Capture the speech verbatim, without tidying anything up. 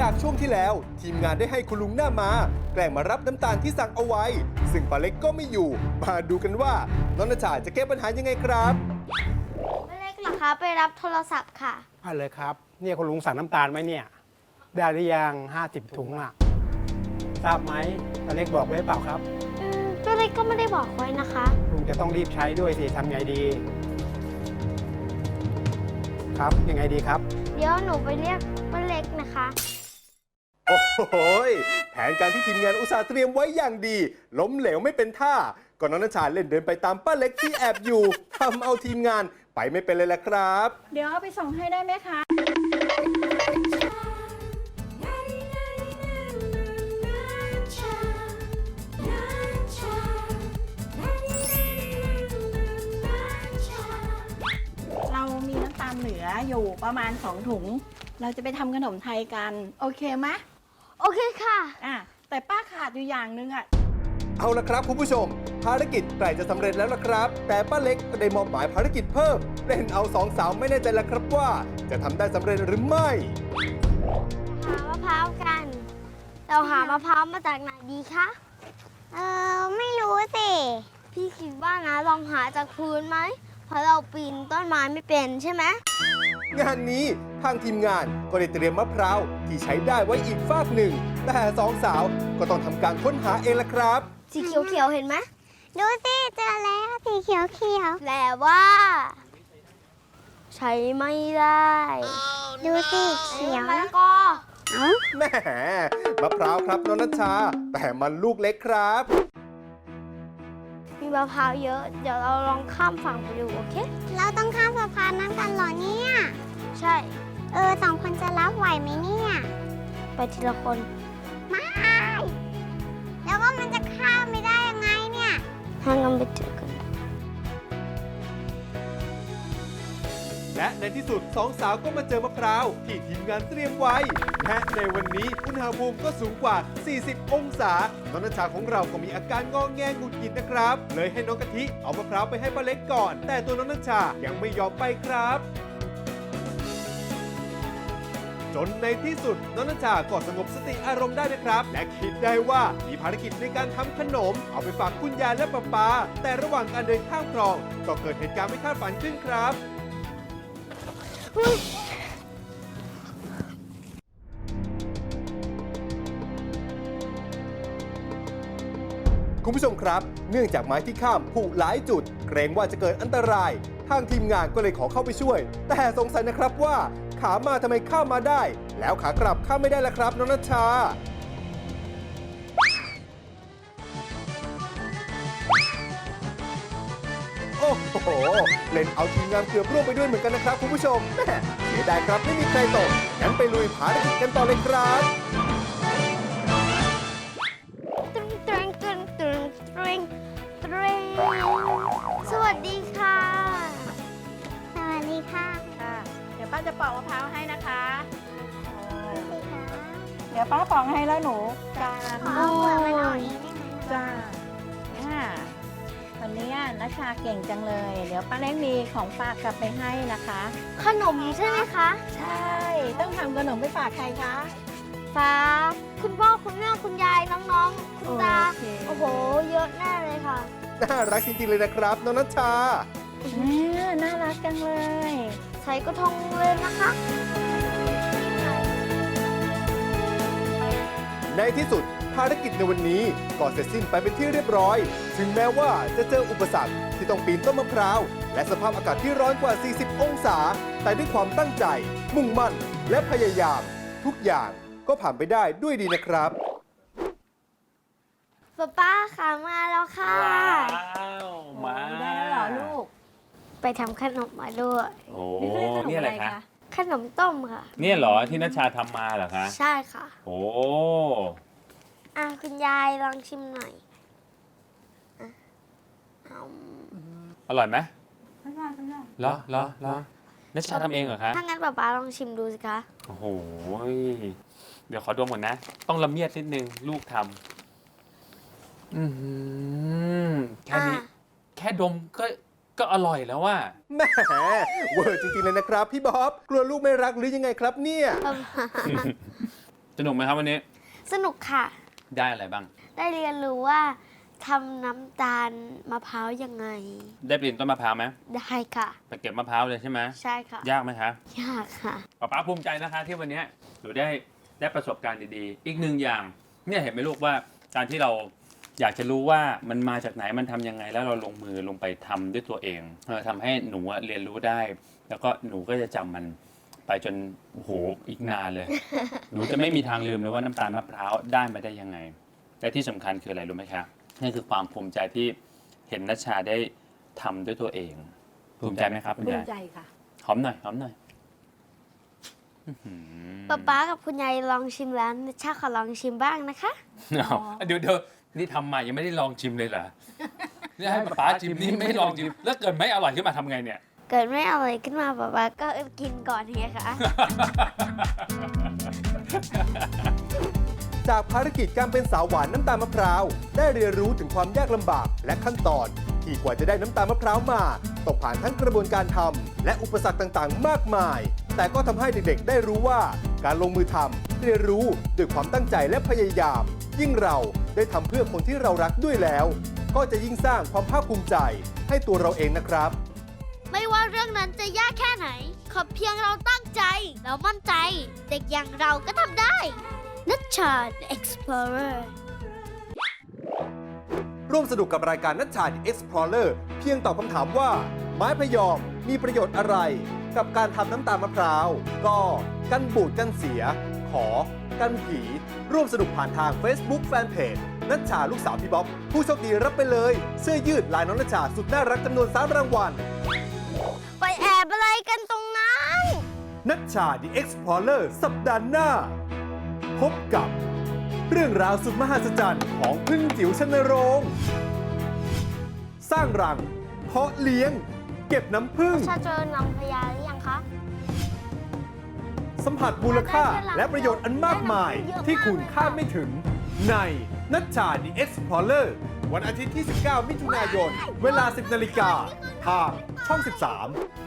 จากช่วงที่แล้วทีมงานได้ให้คุณลุงหน้ามาแกล้งมารับน้ำตาลที่สั่งเอาไว้ ซึ่งป้าเล็กก็ไม่อยู่มาดูกันว่าน้องณชาจะแก้ปัญหายังไงครับป้าเล็กเหรอคะไปรับโทรศัพท์ค่ะอ่ะเลยครับเนี่ยคุณลุงสั่งน้ำตาลไหมเนี่ยได้หรือยังห้าสิบถุงอ่ะทราบไหมตาเล็กบอกไว้เปล่าครับอืมป้าเล็กก็ไม่ได้บอกไว้นะคะลุงจะต้องรีบใช้ด้วยสิทำไงดี ครับยังไงดีครับเดี๋ยวหนูไปเรียกป้าเล็กนะคะโอ้โหยแผนการที่ทีมงานอุตส่าห์เตรียมไว้อย่างดี ล้มเหลวไม่เป็นท่าก่อนน้องณชาเล่นเดินไปตามป้าเล็กที่แอบอยู่ทำเอาทีมงานไปไม่เป็นเลยแหละครับเดี๋ยวเอาไปส่งให้ได้ไหมคะ เรามีน้ำตาลเหลืออยู่ประมาณสองถุง เราจะไปทำขนมไทยกัน โอเคไหมโอเคค่ะอ่ะแต่ป้าขาดอยู่อย่างหนึงอ่ะเอาละครับคุณผู้ชม ภารกิจใกล้จะสำเร็จแล้วละครับ แต่ป้าเล็กก็ได้มอบหมายภารกิจเพิ่มเล่นเอาสองสาวไม่แน่ใจแล้วครับว่า จะทำได้สำเร็จหรือไม่หามะพร้าวกัน เราหามะพร้าวมาจากไหนดีคะ เออไม่รู้สิ พี่คิดว่านะลองหาจากพื้นไหม เพราะเราปีนต้นไม้ไม่เป็นใช่ไหมงานนี้ทางทีมงานก็ได้เตรียมมะพร้าวที่ใช้ได้ไว้อีกฟากหนึ่ง แต่สองสาวก็ต้องทำการค้นหาเองละครับสีเขียวๆเห็นไหมดูสิเจอแล้วสีเขียวเขียวแปลว่า ใช้ไม่ได้ๆดูสิเขียวมะนะละกอเอ้าแหมมะพร้าวครับน้องนัชชา แต่มันลูกเล็กครับมีมะพร้าวเยอะ เดี๋ยวเราลองข้ามฝั่งไปดูโอเคเราต้องข้ามสะพานนั้นกันเหรอเนี่ยใช่เออสองคนจะรับไหวไหมเนี่ยไปทีละคนไม่ แล้วว่ามันจะข้ามไม่ได้ยังไงเนี่ยทางกันไปเจอกันและในที่สุดสองสาวก็มาเจอมะพร้าวที่ทีมงานเตรียมไว้ และในวันนี้อุณหภูมิก็สูงกว่า สี่สิบ องศา น้องนัชชาของเราก็มีอาการงอแงหงุดหงิดนะครับ เลยให้น้องกะทิเอามะพร้าวไปให้ป้าเล็กก่อน แต่ตัวน้องนัชชายังไม่ยอมไปครับ จนในที่สุดน้องนัชชาก็สงบสติอารมณ์ได้นะครับ และคิดได้ว่ามีภารกิจในการทำขนม เอาไปฝากคุณยายและป้าปาแต่ระหว่างการเดินข้ามคลอง ก็เกิดเหตุการณ์ไม่คาดฝันขึ้นครับ คุณผู้ชมครับ เนื่องจากไม้ที่ข้ามผุหลายจุด เกรงว่าจะเกิดอันตราย ทางทีมงานก็เลยขอเข้าไปช่วย แต่สงสัยนะครับว่าขามาทำไมข้ามมาได้ แล้วขากลับข้ามไม่ได้ล่ะครับน้องนัชชา โอ้โห เล่นเอาทีมงานเกือบร่วงไปด้วยเหมือนกันนะครับคุณผู้ชมแม่เสียดายครับไม่มีใครตกงั้นไปลุยภารกิจกันต่อเลยครับตรึงตรึงตรึงตรึงตรึงตรึงสวัสดีค่ะสวัสดีค่ะค่ะ เดี๋ยวป้าจะปอกมะพร้าวให้นะคะดูสิคะเดี๋ยวป้าปอกให้แล้วหนูจานขอเอาหัวมันออกเองได้ไหมจ้าอ่าวันนี้นัชชาเก่งจังเลย เดี๋ยวป้าเล็กมีของฝากกลับไปให้นะคะขนมใช่ไหมคะใช่ ต้องทำขนมไปฝากใครคะฟ้า คุณพ่อคุณแม่คุณยายน้องๆ คุณตาโอเคโอ้โห เยอะแน่เลยค่ะน่ารักจริงๆเลยนะครับน้องนัชชาแม่น่ารักจังเลยใส่กระทงเลยนะคะในที่สุดภารกิจในวันนี้ก็เสร็จสิ้นไปเป็นที่เรียบร้อย ถึงแม้ว่าจะเจออุปสรรคที่ต้องปีนต้นมะพร้าว และสภาพอากาศที่ร้อนกว่า สี่สิบ องศา แต่ด้วยความตั้งใจ มุ่งมั่น และพยายาม ทุกอย่างก็ผ่านไปได้ด้วยดีนะครับป้าป้าค่ะมาแล้วค่ะว้าวมาได้แล้วเหรอลูกไปทำขนมมาด้วยโอ้ขมนี่อะไรคะขนมต้มค่ะเนี่ยเหรอที่นัชชาทำมาเหรอคะใช่ค่ะโอ้อ่ะคุณยายลองชิมหน่อยอ่ะเอาอร่อยไหมไม่ได้ไม่ได้เหรอเหรอเหรอนัชชาทำเองเหรอคะถ้างั้นป้าป้าลองชิมดูสิคะโอ้โหเดี๋ยวขอดมก่อนนะ ต้องละเมียดนิดนึงลูกทำอือหือแค่นี้อ่ะแค่ดมก็ก็อร่อยแล้วว่าแหมเวอร์จริงๆเลยนะครับพี่บ๊อบ กลัวลูกไม่รักหรือยังไงครับเนี่ยสนุกไหมครับวันนี้สนุกค่ะได้อะไรบ้างได้เรียนรู้ว่าทำน้ำตาลมะพร้าวยังไงได้ปีนต้นมะพร้าวไหมได้ค่ะไปเก็บมะพร้าวเลยใช่ไหมใช่ค่ะยากไหมคะยากค่ะป๊าป๊าภูมิใจนะคะที่วันนี้หนูได้ได้ประสบการณ์ดีๆ อีกหนึ่งอย่างเนี่ยเห็นไหมลูกว่าการที่เราอยากจะรู้ว่ามันมาจากไหนมันทำยังไงแล้วเราลงมือลงไปทำด้วยตัวเองเออทำให้หนูอะเรียนรู้ได้ แล้วก็หนูก็จะจำมันไปจนโอ้โหอีกนานเลย หนูจะไม่มีทางลืมเลยว่าน้ำตาลมะพร้าวได้มาได้ยังไงและที่สำคัญคืออะไรรู้ไหมคะนั่นคือความภูมิใจที่เห็นนัชชาได้ทำด้วยตัวเอง ภูมิใจไหมครับคุณภูยายมิใจค่ะหอมหน่อยหอมหน่อยอื้อหือป๊าป๊ากับคุณยายลองชิมแล้วนัชชาขอลองชิมบ้างนะคะเอาเดี๋ยวเดี๋ยวนี่ทำมายังไม่ได้ลองชิมเลยเหรอนี่ให้ป๊าชิมนี่ไม่ลองชิมแล้วเกิดไม่อร่อยขึ้นมาทำไงเนี่ยเกิดไม่อร่อยขึ้นมาป๊าป๊าก็กินก่อนไงคะจากภารกิจการเป็นสาวหวานน้ำตาลมะพร้าวได้เรียนรู้ถึงความยากลำบากและขั้นตอน ที่กว่าจะได้น้ำตาลมะพร้าวมาต้องผ่านทั้งกระบวนการทำและอุปสรรคต่างๆ มากมาย แต่ก็ทำให้เด็กๆ ได้รู้ว่าการลงมือทำเรียนรู้ด้วยความตั้งใจและพยายาม ยิ่งเราได้ทำเพื่อคนที่เรารักด้วยแล้ว ก็จะยิ่งสร้างความภาคภูมิใจให้ตัวเราเองนะครับไม่ว่าเรื่องนั้นจะยากแค่ไหน ขอเพียงเราตั้งใจ แล้วมั่นใจ เด็กอย่างเราก็ทำได้นัชชา The Explorer ร่วมสนุกกับรายการนัชชา The Explorer เพียงตอบคำถามว่า ไม้พยอมมีประโยชน์อะไร กับการทำน้ำตาลมะพร้าว ก็กันบูดกันเสีย ขอ กันผี ร่วมสนุกผ่านทาง Facebook Fanpage นัชชาลูกสาวพี่บ๊อบ ผู้โชคดีรับไปเลย เสื้อยืดลายน้องนัชชาสุดน่ารักจำนวนสามรางวัลไปแอบอะไรกันตรงนั้นนัชชา The Explorer สัปดาห์หน้า พบกับเรื่องราวสุดมหัศจรรย์ของพึ่งจิ๋วชนโรง สร้างรัง เพาะเลี้ยง เก็บน้ำผึ้งชาเจอน้องพญาหรือยังคะสัมผัสมูลค่าและประโยชน์อันมากมายที่คุณคาดไม่ถึง ในนัชชา The Explorer วันอาทิตย์ที่ สิบเก้า มิถุนายน เวลา สิบนาฬิกาทางช่อง สิบสาม